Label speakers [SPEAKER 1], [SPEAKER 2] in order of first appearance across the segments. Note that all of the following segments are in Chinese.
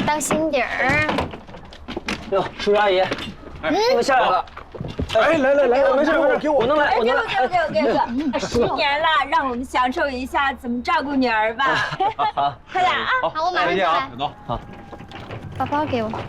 [SPEAKER 1] 当心点儿。
[SPEAKER 2] 哟，叔叔阿姨，你们下来了。哎，来，没事，给我弄来，我弄来。
[SPEAKER 3] 给我，10年了，让我们享受一下怎么照顾女儿吧。
[SPEAKER 2] 好，
[SPEAKER 3] 快点啊！
[SPEAKER 1] 好，我马上就来。
[SPEAKER 4] 走。
[SPEAKER 2] 好，
[SPEAKER 1] 包包给我。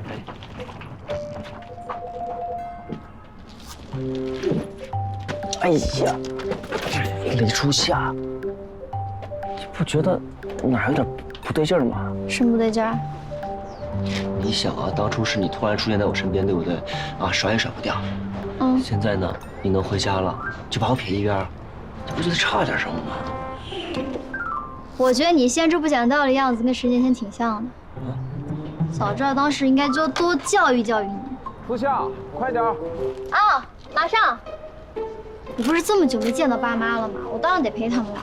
[SPEAKER 2] 哎呀，没出息啊！你不觉得哪有点不对劲儿吗？
[SPEAKER 1] 什么不对劲儿？
[SPEAKER 2] 你想啊，当初是你突然出现在我身边，对不对？啊，甩也甩不掉。
[SPEAKER 1] 嗯，
[SPEAKER 2] 现在呢，你能回家了，就把我撇一边，你不觉得差点什么吗？
[SPEAKER 1] 我觉得你现在这不讲道理样子跟10年前挺像的。早知道当时应该就多教育教育你。
[SPEAKER 4] 初夏，快点！
[SPEAKER 1] 啊，马上！你不是这么久没见到爸妈了吗？我当然得陪他们了。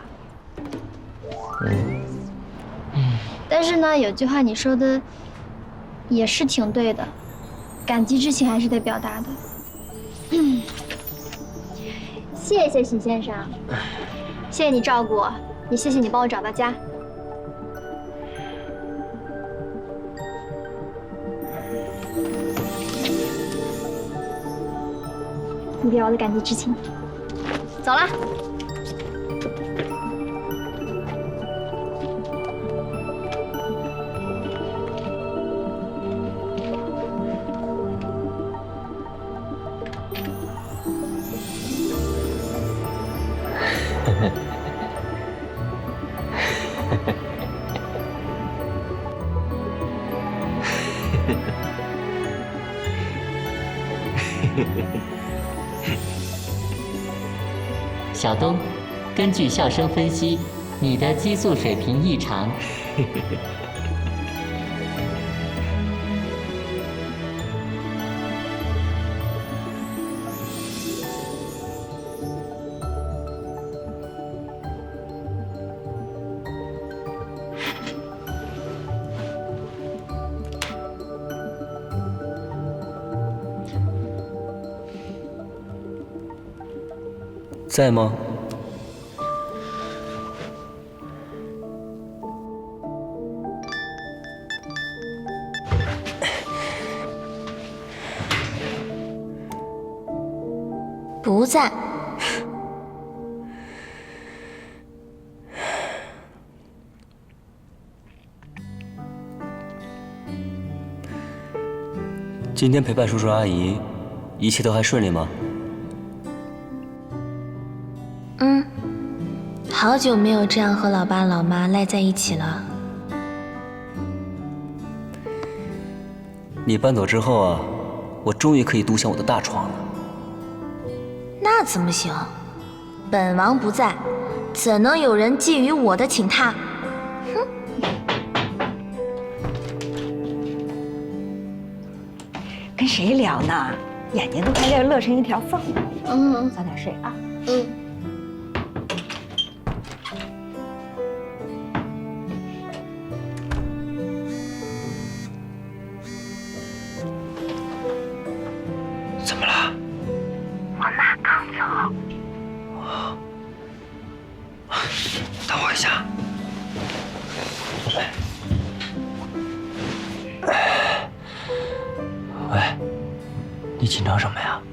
[SPEAKER 1] 但是呢，有句话你说的也是挺对的，感激之情还是得表达的。谢谢许先生，谢谢你照顾我，也谢谢你帮我找到家。你表我的感激之情。走了。
[SPEAKER 5] 小东，根据笑声分析，你的激素水平异常。
[SPEAKER 2] 在吗？
[SPEAKER 3] 不在。
[SPEAKER 2] 今天陪伴叔叔阿姨，一切都还顺利吗？
[SPEAKER 3] 好久没有这样和老爸老妈赖在一起了。
[SPEAKER 2] 你搬走之后啊，我终于可以独享我的大床了。
[SPEAKER 3] 那怎么行？本王不在，怎能有人觊觎我的寝榻？哼！
[SPEAKER 6] 跟谁聊呢？眼睛都快要乐成一条缝了。早点睡啊。
[SPEAKER 2] 怎么了？
[SPEAKER 6] 我妈刚走。
[SPEAKER 2] 等我一下。喂，你紧张什么呀？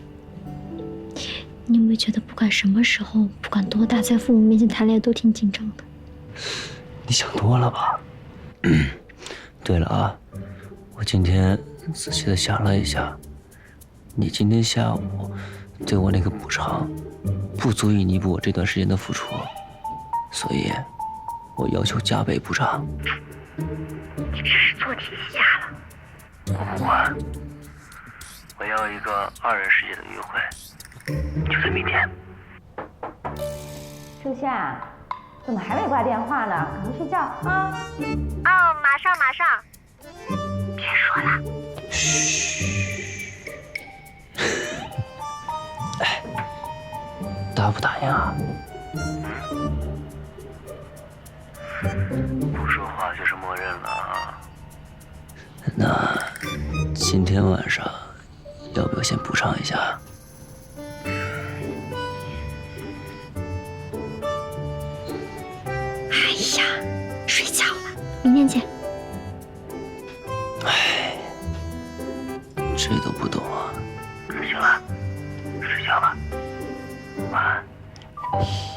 [SPEAKER 1] 你有没有觉得，不管什么时候，不管多大，在父母面前谈恋爱都挺紧张的？
[SPEAKER 2] 你想多了吧？对了啊，我今天仔细的想了一下，你今天下午对我那个补偿，不足以弥补我这段时间的付出，所以，我要求加倍补偿。
[SPEAKER 6] 你这是做题下了。
[SPEAKER 2] 我要一个2人世界的约会，就在明天。
[SPEAKER 6] 初夏，怎么还没挂电话呢？赶快睡觉啊！
[SPEAKER 1] 哦，马上。
[SPEAKER 6] 别说了。
[SPEAKER 2] 嘘。哎，答不答应啊？不说话就是默认了啊。那今天晚上要不要先补偿一下？
[SPEAKER 1] 哎呀，睡觉了，明天见。
[SPEAKER 2] 唉，这都不懂啊。行了，睡觉吧，晚安。